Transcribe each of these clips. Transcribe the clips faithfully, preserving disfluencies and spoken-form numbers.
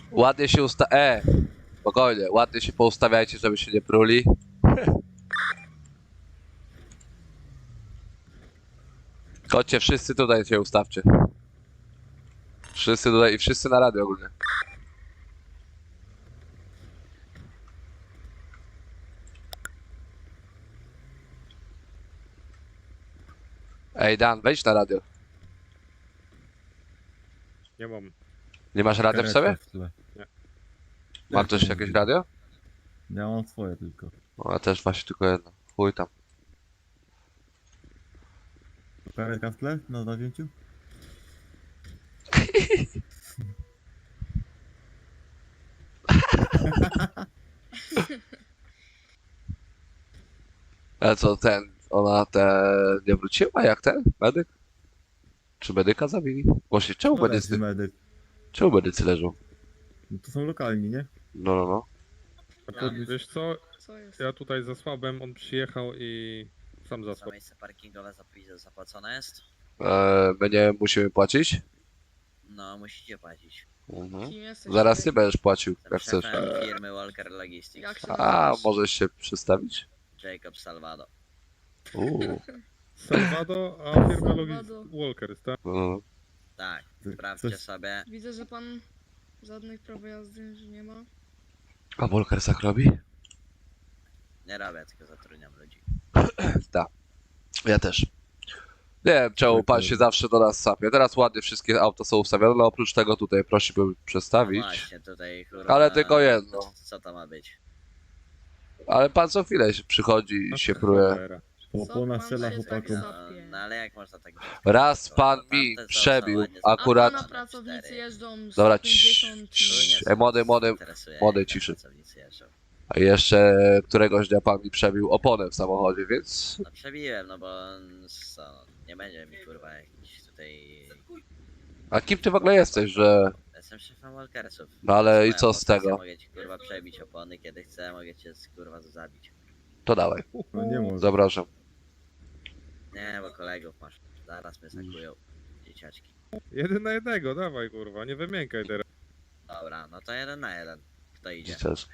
Ładnie się usta... E! Spokojnie, ładnie się poustawiajcie, żeby się nie pruli. Chodźcie, wszyscy tutaj się ustawcie. Wszyscy tutaj i wszyscy na radio ogólnie. Ej, Dan, wejdź na radio. Nie mam. Nie masz radia w sobie? W tle. Mam też jakieś radio? Ja mam swoje tylko. No, ja też właśnie tylko jedno. Chuj tam. Karetka w tle na napięciu? Ale co, ten, ona te nie wróciła jak ten medyk? Czy medyka zabili? Właśnie, czemu No leży medycy, medyk. czemu medycy leżą? No to są lokalni, nie? No, no, no. A to, wiesz co, Co jest? ja tutaj zasłabłem, on przyjechał i sam Za zasłabł. miejsce parkingowe zap- zapłacone jest? Eee, my nie musimy płacić? No, musicie płacić. Mhm. Kim jesteś? Zaraz ty będziesz płacił, Jestem jak chcesz. szefem firmy Walker Logistics. Jak się A, nazywasz? możesz się przedstawić? Jacob Salvado. Uuu. Salvado, a firma Salvado. Logistics Walkers, tak? No. Tak, Ty- sprawdźcie coś- sobie. Widzę, że pan żadnych praw jazdy że nie ma. A Volkers tak robi? Nie robię, tylko zatrudniam ludzi. Tak. Ja też. Nie wiem, czemu pan się zawsze do nas sapie. Teraz ładnie wszystkie auta są ustawione, ale oprócz tego tutaj prosiłbym No przedstawić. właśnie, tutaj kurwa... Ale tylko jedno. Co, co to ma być? Ale pan co chwilę się przychodzi i się pruje. Cholera. Opłona pan strzela się tak chłopakom. za- No, Sapie. no ale jak można tak... Raz pan Tamte mi są- przebił są ładnie akurat... A zapakowane. pana pracownicy jeżdżą Dobra, sto pięćdziesiąt cii- Tu nie cii- są- E, młody, młody, interesuje, młody, jak ciszy. pracownicy jeżdżą. A jeszcze któregoś dnia pan mi przebił oponę w samochodzie, więc... No przebiłem, no bo co, no, nie będzie mi kurwa jakiś tutaj... A kim ty w ogóle jesteś, że... Jestem szefem Walkersów. No ale To i moja co z pozycja, tego? Mogę ci kurwa przebić opony kiedy chcę, mogę cię kurwa zabić. To dawaj, No nie może. zapraszam. Nie, bo kolegów masz. Zaraz mnie zakują. Dzieciaczki. Jeden na jednego, dawaj kurwa, nie wymiękaj teraz. Dobra, no to jeden na jeden. Kto idzie? Też.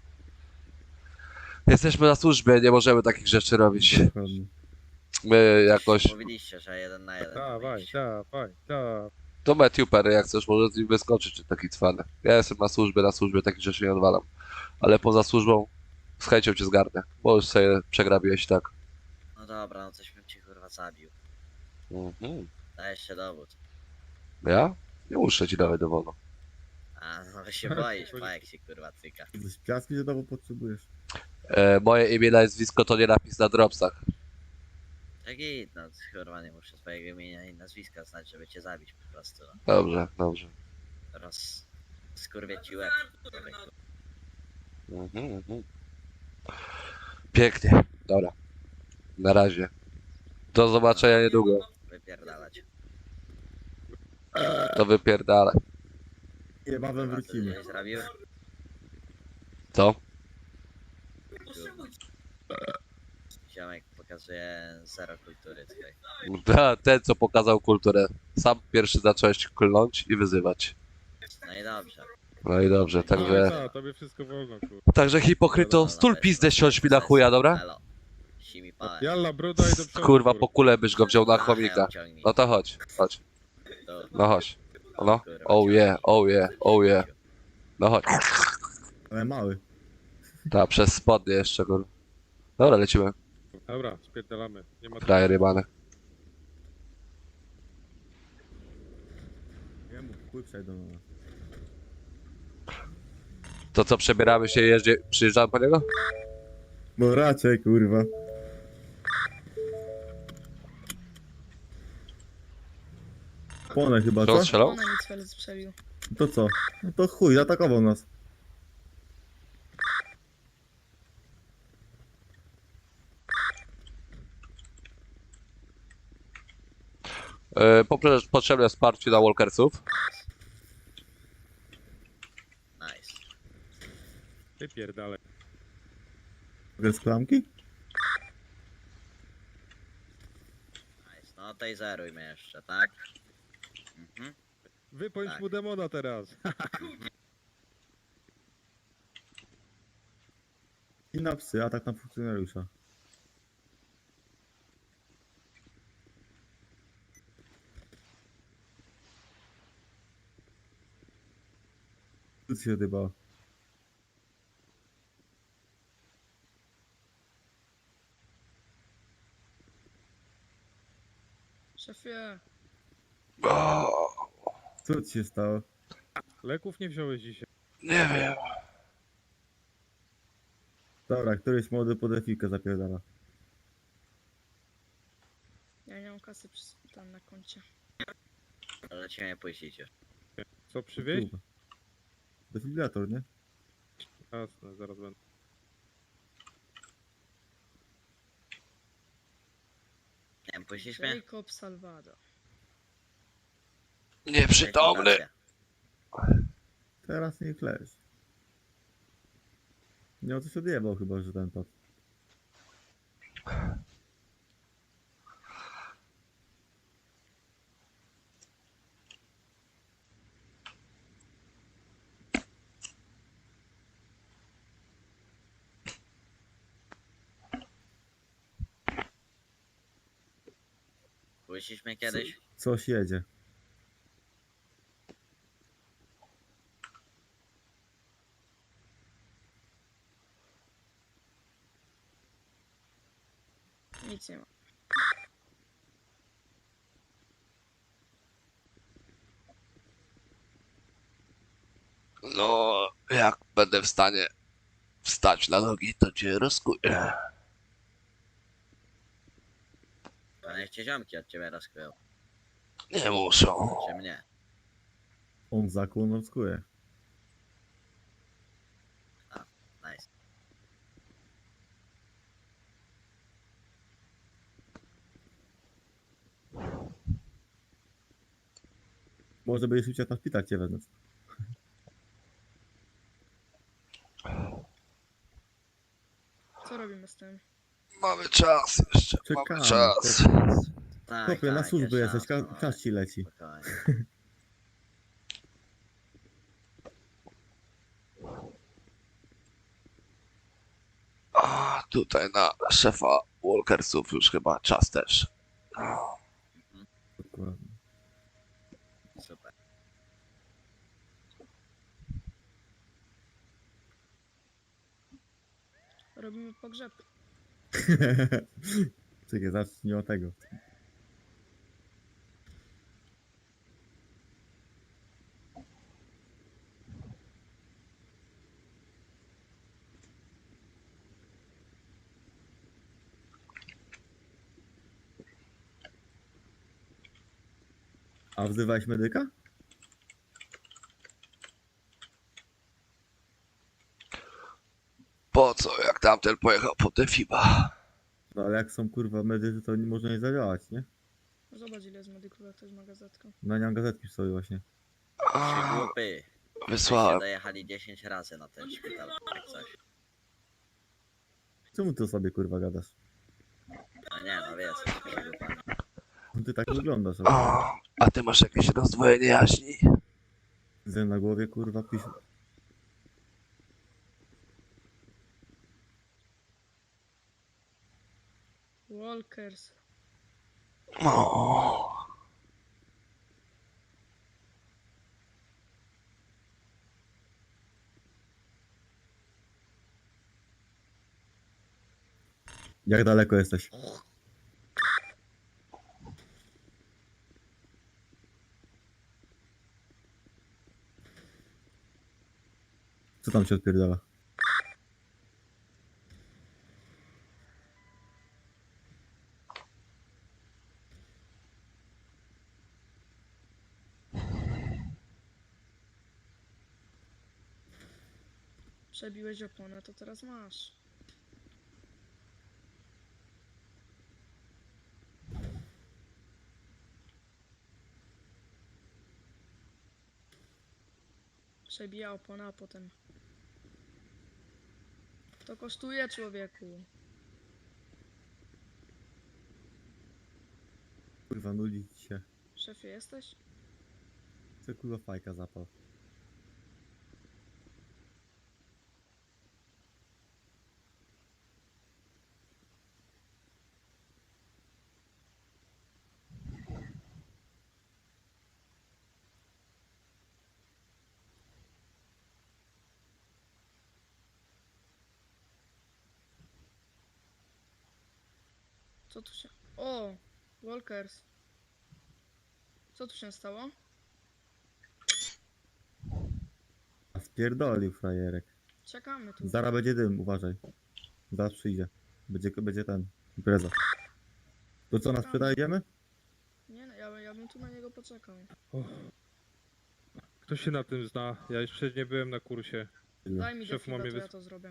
Jesteśmy na służbie, nie możemy takich rzeczy robić. Dokładnie. My jakoś... Mówiliście, że jeden na jeden. Dawaj, mówiliście. dawaj, dawaj. To Matthew Perry, jak chcesz, może z nim wyskoczyć, czy taki cwany. Ja jestem na służbie, na służbie takich rzeczy nie odwalam. Ale poza służbą z chęcią cię zgarnę, bo już sobie przegrabiłeś tak. No dobra, no coś bym cię kurwa zabił. Mhm. Dajesz się dowód. Ja? Nie muszę ci dawać dowodu. A, no się boisz, pa jak się kurwa cyka. Coś piaski znowu potrzebujesz. E, moje imię, nazwisko to nie napis na dropsach. Tak i no kurwa nie muszę swojego imienia i nazwiska znać, żeby cię zabić po prostu. No. Dobrze, dobrze. Roz... Skurwię ci łeb. człowieku. Mhm, mhm. Pięknie, dobra. Na razie. Do zobaczenia niedługo. Wypierdalać. To wypierdalaj. Niebawem Kurwa, ty wrócimy. coś zrobił? Co? Ziomek pokazuje zero kultury tutaj. Ta, ten, co pokazał kulturę. Sam pierwszy zacząłeś klnąć i wyzywać. No i dobrze. No i dobrze, No, także... tak, tobie wszystko wolno kurwa. Także hipokryto, stul pizdę siądź mi na chuja, dobra? Elo. Simi pałę. Jalla, bruda i do przodu. Kurwa, po kulę byś go wziął na chomika. Ciągnij. No to chodź, chodź. To- No chodź. No, Kurwa, oh ciągnij. yeah, oh yeah, oh yeah. No chodź. Ale mały. Ta, przez spodnie jeszcze, kur... Dobra, lecimy. Dobra, spierdalamy. Nie ma Frajer jebany. Nie mów, chuj przejdą na nas. To co, przebieramy się i jeździ... przyjeżdżamy po niego? No raczej, kurwa. Opłonę chyba, Co, co? strzelał? Ona mi cel przebił. To co? No to chuj, zaatakował nas. Yy, poprze- potrzebne wsparcie dla walkersów. Nice. Wypierdalaj. Bez klamki? Nice. No taseruj mnie jeszcze, tak? Mhm. Wypończ Tak. mu demona teraz. na psy, atak na funkcjonariusza. Co ci się odjebało? Szefie, O, Co ci się stało? Leków nie wziąłeś dzisiaj. nie wiem. Dobra, któryś młody po defikę zapierdala. ja nie mam kasy przy, tam na koncie. Ale cię nie puścicie. Co przywieźć? Kurwa. Defibrylator, nie? Jasne, zaraz będę. Nie wiem, puścisz mnie? Jacob Salvado. Nieprzytomny. Teraz nie klesz. Nie o coś odjebał chyba, że ten top. Puścisz mnie kiedyś? Coś jedzie. Nic nie ma. No, jak będę w stanie wstać na nogi, to cię rozkuję. To niech cię ziomki od ciebie rozkryją. Nie muszą. Czy mnie? On zakłon rozkuje. Nice. Może będziesz chciał na szpital cię wezmę. Co robimy z tym? Mamy czas jeszcze, Czekamy. mamy czas. Tak, Chłopie, na tak, służbę jest jesteś, szansa, ka- no, czas ci leci. spokojnie. A tutaj na szefa Walkersów już chyba czas też. Dokładnie. Super. Robimy pogrzeb. Czekaj, zacznij od tego. A wzywałeś medyka? Po co, jak tamten pojechał po Defiba? No ale jak są kurwa medycy, to nie można nie zadziałać, nie? Zobacz ile jest medyków, jak ktoś ma gazetkę. Na nią gazetki stoi właśnie. Ci A, głupy. Wyście wysłałem. dojechali dziesięć razy na ten szpital, jak coś. Czemu ty o sobie kurwa gadasz? No nie, no wiesz, jesteście głupami. Ty tak wyglądasz, ale O, a ty masz jakieś rozdwojenie jaźni? z na głowie kurwa pisz. Walkers. O, Jak daleko jesteś? Co tam się odpierdala? Przebiłeś oponę, to teraz masz. Przebija opona, a potem... To kosztuje, człowieku. Kurwa nudzi ci się. Szefie, jesteś? Co kurwa fajka zapał. Co tu się... O! Walkers. Co tu się stało? A spierdolił frajerek. Czekamy tu. Zaraz będzie dym, uważaj. Zaraz przyjdzie. Będzie, będzie ten, impreza. To co, nas pyta, idziemy? Nie no, ja, ja bym tu na niego poczekał. Och. Kto się na tym zna? Ja jeszcze nie byłem na kursie. Daj mi Szef defiga, ma mnie to ja wys- to zrobię.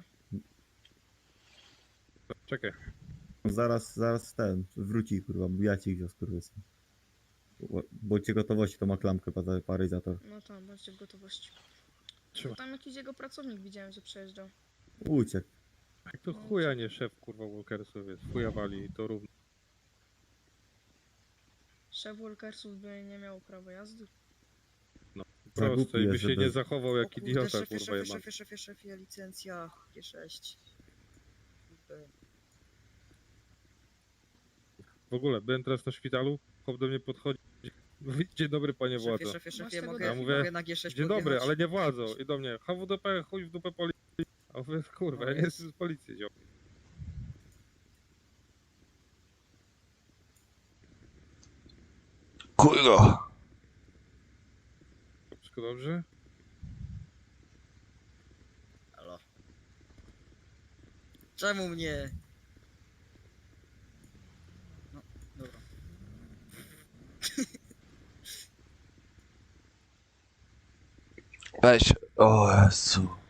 Czekaj. Zaraz, zaraz ten, wróci, kurwa, ja ci go skurwysy. Bądźcie gotowości, to ma klamkę pa- paryzator. No tam, bądźcie w gotowości. Bo Trzyma. tam jakiś jego pracownik widziałem, że przejeżdżał. Uciekł. Jak to chuja nie szef kurwa Walkersów jest. Chuja wali i to równo. Szef Walkersów by nie miał prawa jazdy. Za głupi Prosto i by jest, się żeby- nie zachował jak O kurde, idiota szefie, kurwa szefie, jebany. szefie, szefie, szefie, licencja G sześć. Kurde. W ogóle, byłem teraz na szpitalu, chłop do mnie podchodzi. Mówi, dzień dobry panie Szefie, władzo. szefie, Masz szefie, tego mogę, Ja mówię, mogę na G sześć Dzień dobry, podjechać? ale nie władzą. I do mnie, H W D P, chuj w dupę policji. A mówię, kurwa, No ja nie jest. jestem z policji, ziom. Kurwa. Wszystko dobrze? Halo. Czemu mnie? No, dobra. Weź. O Jezu.